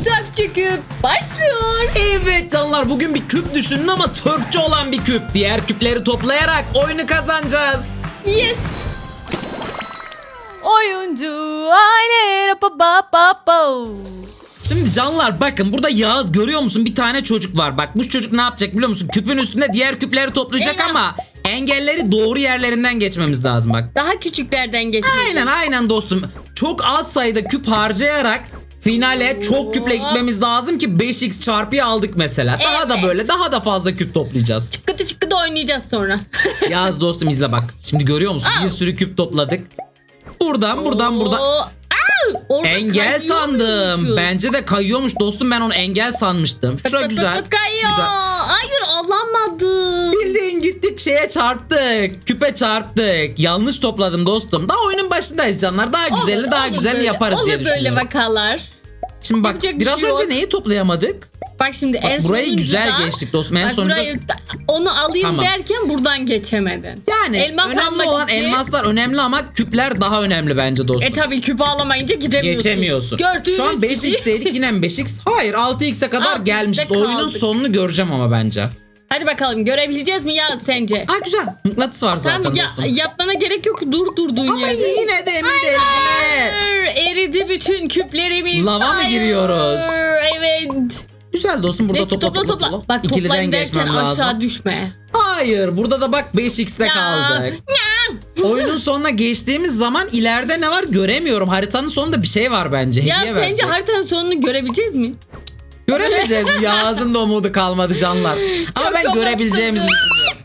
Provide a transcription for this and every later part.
Sörfçü küp başlıyor. Evet canlar, bugün bir küp düşünün ama sörfçü olan bir küp. Diğer küpleri toplayarak oyunu kazanacağız. Yes. Oyuncu aile Şimdi canlar bakın, burada Yağız görüyor musun? Bir tane çocuk var. Bak bu çocuk ne yapacak biliyor musun? Küpün üstünde diğer küpleri toplayacak Eyvah. ama engelleri doğru yerlerinden geçmemiz lazım bak. Daha küçüklerden geçiyor. Aynen dostum. Çok az sayıda küp harcayarak finale çok küple gitmemiz lazım ki 5x çarpıyı aldık mesela. Daha da Evet. böyle daha da fazla küp toplayacağız. Çıkkıtı çıkkıtı oynayacağız sonra. Yağız dostum izle bak. Şimdi görüyor musun? Bir sürü küp topladık. Buradan. Oo, orada Engel kayıyormuşuz. sandım. Bence de kayıyormuş dostum. Ben onu engel sanmıştım. Şura Pıt pıt güzel. pıt kayıyor. Güzel. Hayır alamadım. Bildiğin gittik şeye çarptık. Küpe çarptık. Yanlış topladım dostum. Daha oyunun başındayız canlar. Daha güzelini daha güzelini böyle, yaparız diye olur böyle düşünüyorum. vakalar. Şimdi bak Yapacak bir biraz şey önce yok. neyi toplayamadık? Bak şimdi Bak, en burayı sonuncuda- güzel geçtik dostum. En Bak sonunda onu alayım Tamam. derken buradan geçemedin. yani Elmas önemli almak olan için- elmaslar önemli ama küpler daha önemli bence dostum. Tabii küpü alamayınca gidemiyorsun. Geçemiyorsun. Gördüğünüz Şu an gibi. 5x'teydik, yine mi 5x? Hayır 6x'e kadar 6x'te gelmişiz. Oyunun kaldık. sonunu göreceğim ama bence. Hadi bakalım görebileceğiz mi ya sence? Ha güzel. Mıknatıs var zaten Tamam dostum. yapmana gerek yok, durduğun Ama yerde. yine de emin değilim. Yine. Eridi bütün küplerimiz. Lava mı Hayır. giriyoruz? Evet. Güzel dostum, burada Neyse, topla. Bak İkiliden toplayın derken geçmem lazım. aşağı düşme. Hayır, burada da bak 5x'te Ya. kaldık. Oyunun sonuna geçtiğimiz zaman ileride ne var göremiyorum. Haritanın sonunda bir şey var bence. Ya Hediye sence verecek. haritanın sonunu görebileceğiz mi? Göremeyeceğiz. Yağız'ın da umudu kalmadı canlar. Ama Çok ben görebileceğimizi düşünüyorum.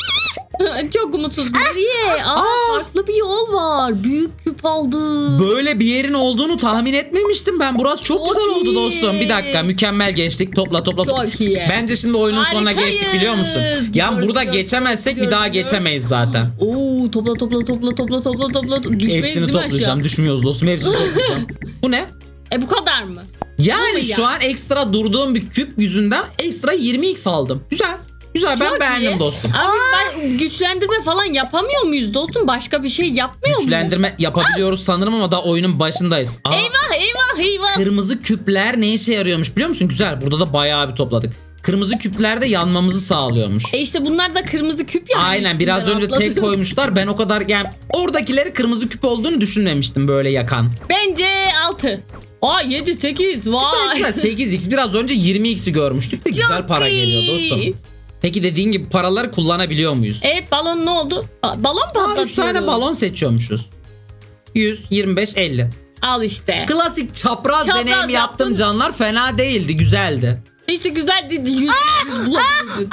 Çok umutsuz. Nereye? Farklı bir yol var. Büyük küp aldı. Böyle bir yerin olduğunu tahmin etmemiştim ben. Burası çok Çok güzel oldu iyi. dostum. Bir dakika, mükemmel geçtik. Topla. Çok iyi. Bence şimdi oyunun sonuna Harikayız. geçtik biliyor musun? Gidiyoruz, Yani burada gidiyoruz, geçemezsek bir gidiyoruz, daha gidiyoruz. geçemeyiz zaten. Oo, topla. Düşmeyiz Hepsini değil mi toplayacağım. aşağı? Düşmüyoruz dostum. Hepsini toplayacağım. Bu ne? Bu kadar mı? Yani Bu mu ya? şu an ekstra durduğum bir küp yüzünden ekstra 20x aldım. Güzel. Güzel, ben Çok beğendim iyi. dostum. Abi biz güçlendirme falan yapamıyor muyuz dostum? Başka bir şey yapmıyor muyuz? Güçlendirme yapabiliyoruz sanırım ama daha oyunun başındayız. Aa, Eyvah. kırmızı küpler ne işe yarıyormuş biliyor musun? Güzel. Burada da bayağı bir topladık. Kırmızı küplerde yanmamızı sağlıyormuş. İşte bunlar da kırmızı küp ya. Aynen, biraz önce tek koymuşlar. Ben o kadar yani oradakileri kırmızı küp olduğunu düşünmemiştim böyle yakan. Bence 6. 7 8 vay. Güzel 8x, biraz önce 20x'i görmüştük de güzel Çok para iyi. geliyor dostum. Peki dediğin gibi paraları kullanabiliyor muyuz? Evet, balon ne oldu? Balon patlatıyoruz. 3 tane balon seçiyormuşuz. 100, 25, 50. Al işte. Klasik çapraz Çapraz deneyim yaptım yaptın. canlar. Fena değildi, güzeldi. İşte güzel dedi. 100 bulabildin.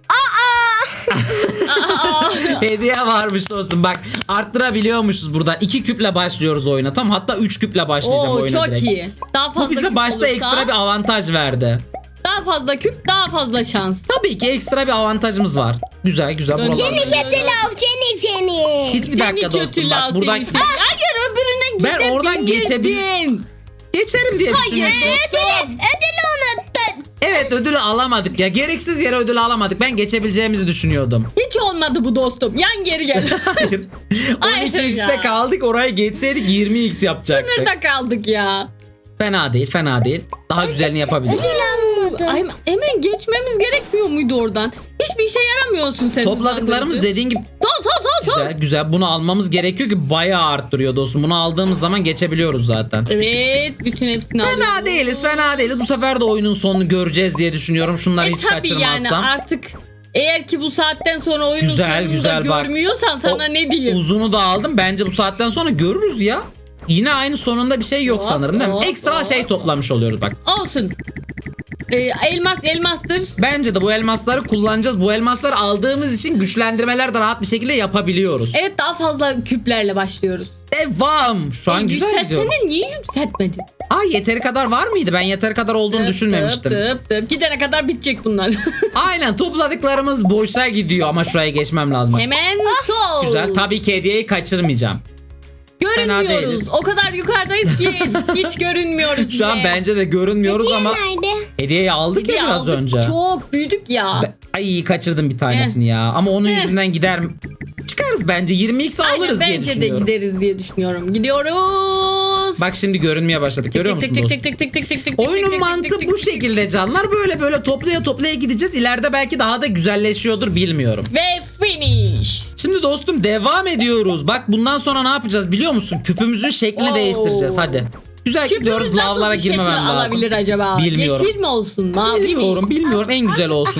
Hediye varmış dostum. Bak arttırabiliyormuşuz buradan. 2 küple başlıyoruz oyuna. Tam hatta 3 küple başlayacağım Oo, oyuna çok direkt. iyi. Daha fazla Bu bize küp başta olursa, ekstra bir avantaj verdi. daha fazla küp, daha fazla şans. Tabii ki ekstra bir avantajımız var. Güzel buralar. Seni Kötü laf seni. Hiçbir dakika Seni dostum kötü bak laf buradan seni. Hayır, öbürüne Ben gidebilirdin. oradan geçerim diye düşünmüştüm. Ödülü unuttun. Evet, ödülü alamadık ya. Gereksiz yere ödülü alamadık. Ben geçebileceğimizi düşünüyordum. Hiç olmadı bu dostum. Yan geri gel. Hayır. Hayır 12x'te ya. kaldık. Oraya geçseydik 20x yapacaktık. Sınırda kaldık ya. Fena değil. Daha güzelini yapabiliriz. Ay, hemen geçmemiz gerekmiyor muydu oradan? Hiçbir işe yaramıyorsun sen. Topladıklarımız hızlandırıcı. dediğin gibi Sol. güzel. Bunu almamız gerekiyor ki bayağı arttırıyor dostum. Bunu aldığımız zaman geçebiliyoruz zaten. Evet, bütün hepsini alıyoruz. Fena değiliz. Bu sefer de oyunun sonunu göreceğiz diye düşünüyorum. Şunları hiç Tabii kaçırmazsam. yani artık eğer ki bu saatten sonra oyunun sonunu Güzel da bak. görmüyorsan sana O ne diyeyim? Uzunu da aldım. Bence bu saatten sonra görürüz ya. Yine aynı sonunda bir şey yok Hop, sanırım değil mi? hop, Ekstra hop. şey toplamış oluyoruz bak. Olsun. Elmastır. Bence de bu elmasları kullanacağız. Bu elmasları aldığımız için güçlendirmeler de rahat bir şekilde yapabiliyoruz. Evet, daha fazla küplerle başlıyoruz. Devam. Şu an güzel gidiyoruz. Yükseltsene, niye yükseltmedin? Yeteri kadar var mıydı? Ben yeteri kadar olduğunu düşünmemiştim. Tıp. Gidene kadar bitecek bunlar. Aynen, topladıklarımız boşa gidiyor ama şuraya geçmem lazım. Hemen sol. Güzel. Tabii ki hediyeyi kaçırmayacağım. Fena Görünmüyoruz. değiliz. O kadar yukarıdayız ki hiç görünmüyoruz. Şu an bile. bence de görünmüyoruz ama Nerede? hediyeyi aldık Hediye ya biraz aldık, önce. Çok büyüdük ya. Ay kaçırdım bir tanesini ya. Ama onun yüzünden gider mi? Çıkarız bence. 20x alırız diye Bence de düşünüyorum. gideriz diye düşünüyorum. Gidiyoruz. Bak şimdi görünmeye başladık. Görüyor musun dostum? Tık. Oyunun şekilde canlar böyle toplaya gideceğiz. İleride belki daha da güzelleşiyordur, bilmiyorum. Ve finish. Şimdi dostum devam ediyoruz. Bak bundan sonra ne yapacağız biliyor musun? Küpümüzün şeklini Oo. değiştireceğiz hadi. Güzel gidiyoruz, Küpümüz nasıl lavlara bir şekil girmemem lazım. alabilir acaba? Bilmiyorum. Yeşil mi olsun? Mavi mi? Bilmiyorum en güzel olsun.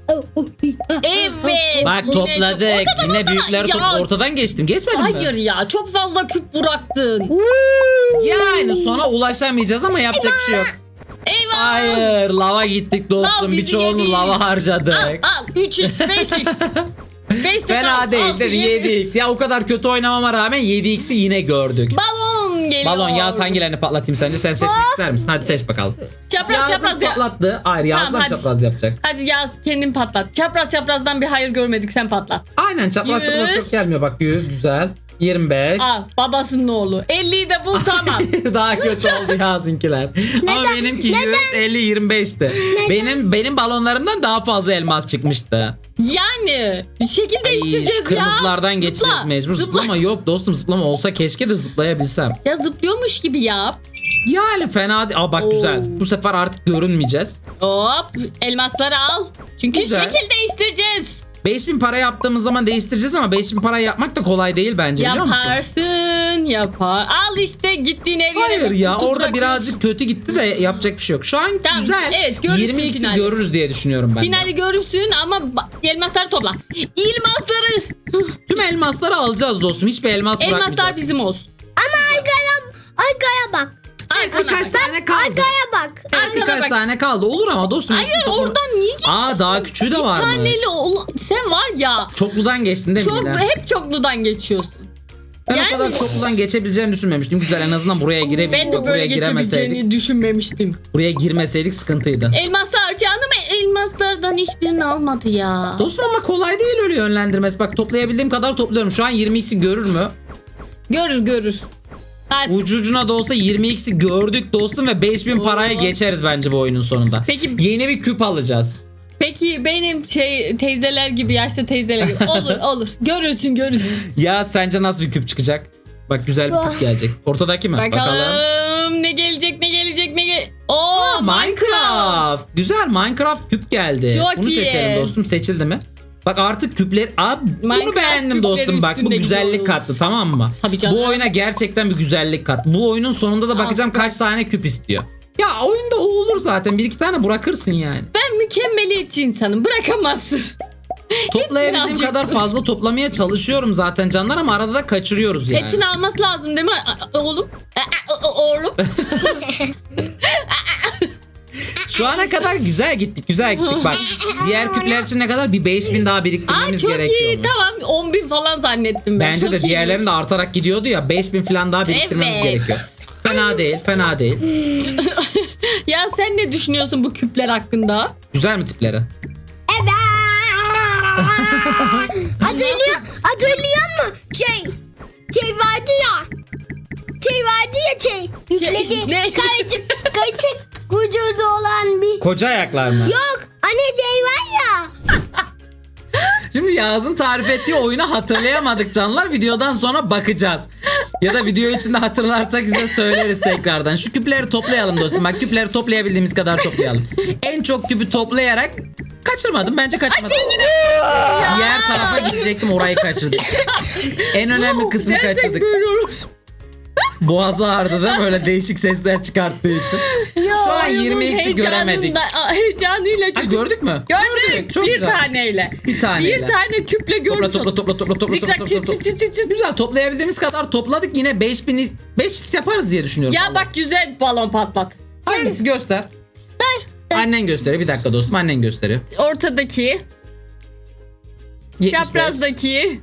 Evet. Bak yine topladık. çok- Yine büyükleri Ya, ortadan geçtim. Geçmedim mi? Hayır ya, çok fazla küp bıraktın. Yani sonra ulaşamayacağız ama yapacak bir şey yok. Eyvah. Hayır, lava gittik dostum. Lav bizi Birçoğunu yedi. lava harcadık. Al 3x 5x. Fena değil dedi 7x. Ya o kadar kötü oynamama rağmen 7x'i yine gördük. Balon geliyor. Balon Yağız hangilerini patlatayım sence? Sen seçmek ister misin? Hadi seç bakalım. Çapraz Yağız'ın çapraz ya. patlattı. Hayır Yağız'dan Tamam, hadi. çapraz yapacak. Hadi Yağız kendin patlat. Çapraz çaprazdan bir hayır görmedik, sen patlat. Aynen çapraz çapraz 100. çok gelmiyor. Bak 100 güzel. 25. Al babasının oğlu. 50'yi de bul tamam. Daha kötü oldu Yağız'ınkiler. Ama benimki 150 25'ti. Benim balonlarımdan daha fazla elmas çıkmıştı. Yani şekil Ay, değiştireceğiz şu ya. kırmızılardan geçeceğiz Zıpla, mecbur. zıpla. Zıplama yok dostum, zıplama olsa keşke de zıplayabilsem. Ya zıplıyormuş gibi yap. Yani fena değil. Aa bak Oo. güzel. Bu sefer artık görünmeyeceğiz. Hop elmasları al. Çünkü Güzel. şekil değiştireceğiz. 5000 para yaptığımız zaman değiştireceğiz ama 5000 parayı yapmak da kolay değil bence, biliyor musun? Yaparsın yapar. Al işte gittiğin her yere. Hayır ya kutu orada bırakıyorsun. birazcık kötü gitti de yapacak bir şey yok. Şu an Tamam, güzel. evet, görürsün 20x'i finali. görürüz diye düşünüyorum ben de. Finali görürsün ama elmasları topla. Elmasları. Tüm elmasları alacağız dostum. Hiçbir elmas bırakmayacağız. Elmaslar bizim olsun. Arkaya bak. Birkaç tane kaldı. Arkaya bak. Birkaç bak. tane kaldı. Olur ama dostum. Hayır hepsini topla- oradan niye geçiyorsun? Aa daha küçüğü de varmış. Taneli sen var ya. Çokludan geçtin değil mi Çok, yine? hep çokludan geçiyorsun. Ben yani- o kadar çokludan geçebileceğimi düşünmemiştim. Güzel, en azından buraya Ben girebildik. de böyle giremeseydik. geçebileceğini düşünmemiştim. Buraya girmeseydik sıkıntıydı. Elmaslar canım elmaslardan hiçbirini almadı ya. Dostum ama kolay değil öyle yönlendirmesi. Bak toplayabildiğim kadar topluyorum. Şu an 20x'i görür mü? Görür. Hadi. Ucucuna da olsa 20x'i gördük dostum ve 5000 paraya Oo. geçeriz bence bu oyunun sonunda. Peki- Yeni bir küp alacağız. Peki benim teyzeler gibi, yaşlı teyzeler gibi. Olur. Görürsün. Ya sence nasıl bir küp çıkacak? Bak güzel bir küp gelecek. Ortadaki mi? Bakalım ne gelecek. Oo Minecraft. Güzel, Minecraft küp geldi. Çok Bunu iyi. seçelim dostum. Seçildi mi? Bak artık küpler... bunu Minecraft beğendim dostum. küpleri Bak bu üstünde güzellik gidiyoruz. kattı, tamam mı? Tabii canım. Bu oyuna gerçekten bir güzellik kat. Bu oyunun sonunda da bakacağım bak. kaç tane küp istiyor. Ya oyunda o olur zaten. Bir iki tane bırakırsın yani. Ben mükemmeliyetçi insanım, bırakamazsın. Toplayabildiğim alacaksın. kadar fazla toplamaya çalışıyorum zaten canlar ama arada da kaçırıyoruz yani. Hepsini alması lazım değil mi oğlum? Oğlum. Şu ana kadar güzel gittik bak. Diğer küpler için ne kadar? Bir 5000 daha biriktirmemiz Çok iyi, gerekiyormuş. tamam 10.000 falan zannettim ben. Bence Çok de diğerlerinin de iyiymiş. artarak gidiyordu ya, 5000 falan daha biriktirmemiz Evet. gerekiyor. Fena değil. Ya sen ne düşünüyorsun bu küpler hakkında? Güzel mi tipleri? Evet. Hatırlıyor musun? Şey vardı ya. Yükledi. Ne? Karışık vücudu olan bir. Koca ayaklar mı? Yok. Anne şey var ya. Şimdi Yağız'ın tarif ettiği oyunu hatırlayamadık canlar. Videodan sonra bakacağız. Ya da video içinde hatırlarsak size söyleriz tekrardan. Şu küpleri toplayalım dostum. Bak küpleri toplayabildiğimiz kadar toplayalım. En çok küpü toplayarak kaçırmadım. Bence kaçırmadım. Diğer tarafa gidecektim, orayı kaçırdık. En önemli kısmı Dersek kaçırdık. böyle olur. Boğazı ağrıdı değil mi? Böyle değişik sesler çıkarttığı için. Şu an Oyunun 20x'i göremedik. Heyecanıyla Ha, çocuk. gördük mü? Gördük. Çok bir güzel. taneyle. Bir taneyle. Bir tane küple gördük. Topla. Zikzak çiz. Güzel, toplayabildiğimiz kadar topladık. Yine 5x yaparız diye düşünüyorum. Ya vallahi. bak güzel bir balon patlat. Hangisi göster? Annen gösteriyor. Bir dakika dostum, annen gösteriyor. Ortadaki, 75. çaprazdaki,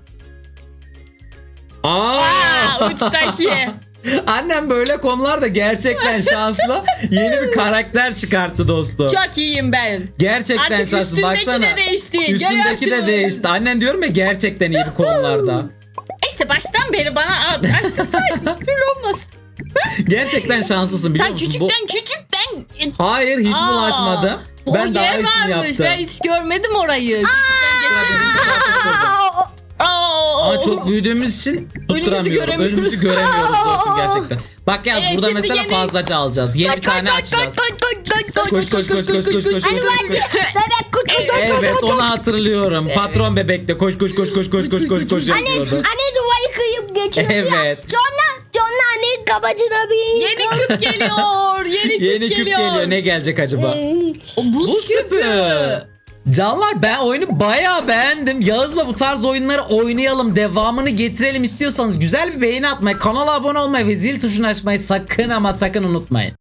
Aa! uçtaki. Annem böyle konularda gerçekten şanslı. Yeni bir karakter çıkarttı dostum. Çok iyiyim ben. Gerçekten Artık şanslı. üstündeki Baksana. de değişti. Üstündeki de Görüyorsunuz. değişti. Annen diyorum ya, gerçekten iyi bir konularda. İşte baştan beri bana açsaydın hiç böyle olmaz. Gerçekten şanslısın, biliyor Sen musun? küçükten. Hayır, hiç Aa, bulaşmadım. O Ben daha yer iyisini varmış. yaptım. Ben hiç görmedim orayı. Ama çok büyüdüğümüz için tutturamıyorum. göremiyoruz. Önümüzü göremiyoruz dostum gerçekten. Bak yaz, Evet, burada şimdi mesela yeni- fazlaca alacağız. Yeni bir tane açacağız. Koş koş koş koş koş koş. Hani vardı ya, bebek kutu. Evet onu hatırlıyorum. Patron bebekte koş koş koş koş koş koş koş koş yapıyordu. Anne duvarı kıyıp geçiyordu ya. Evet. Sonra anne kafasına bir... Yeni küp geliyor. Yeni küp geliyor. Ne gelecek acaba? O buz küpü. Canlar ben oyunu bayağı beğendim. Yağız'la bu tarz oyunları oynayalım. Devamını getirelim istiyorsanız güzel bir beğeni atmayı, kanala abone olmayı ve zil tuşunu açmayı sakın ama sakın unutmayın.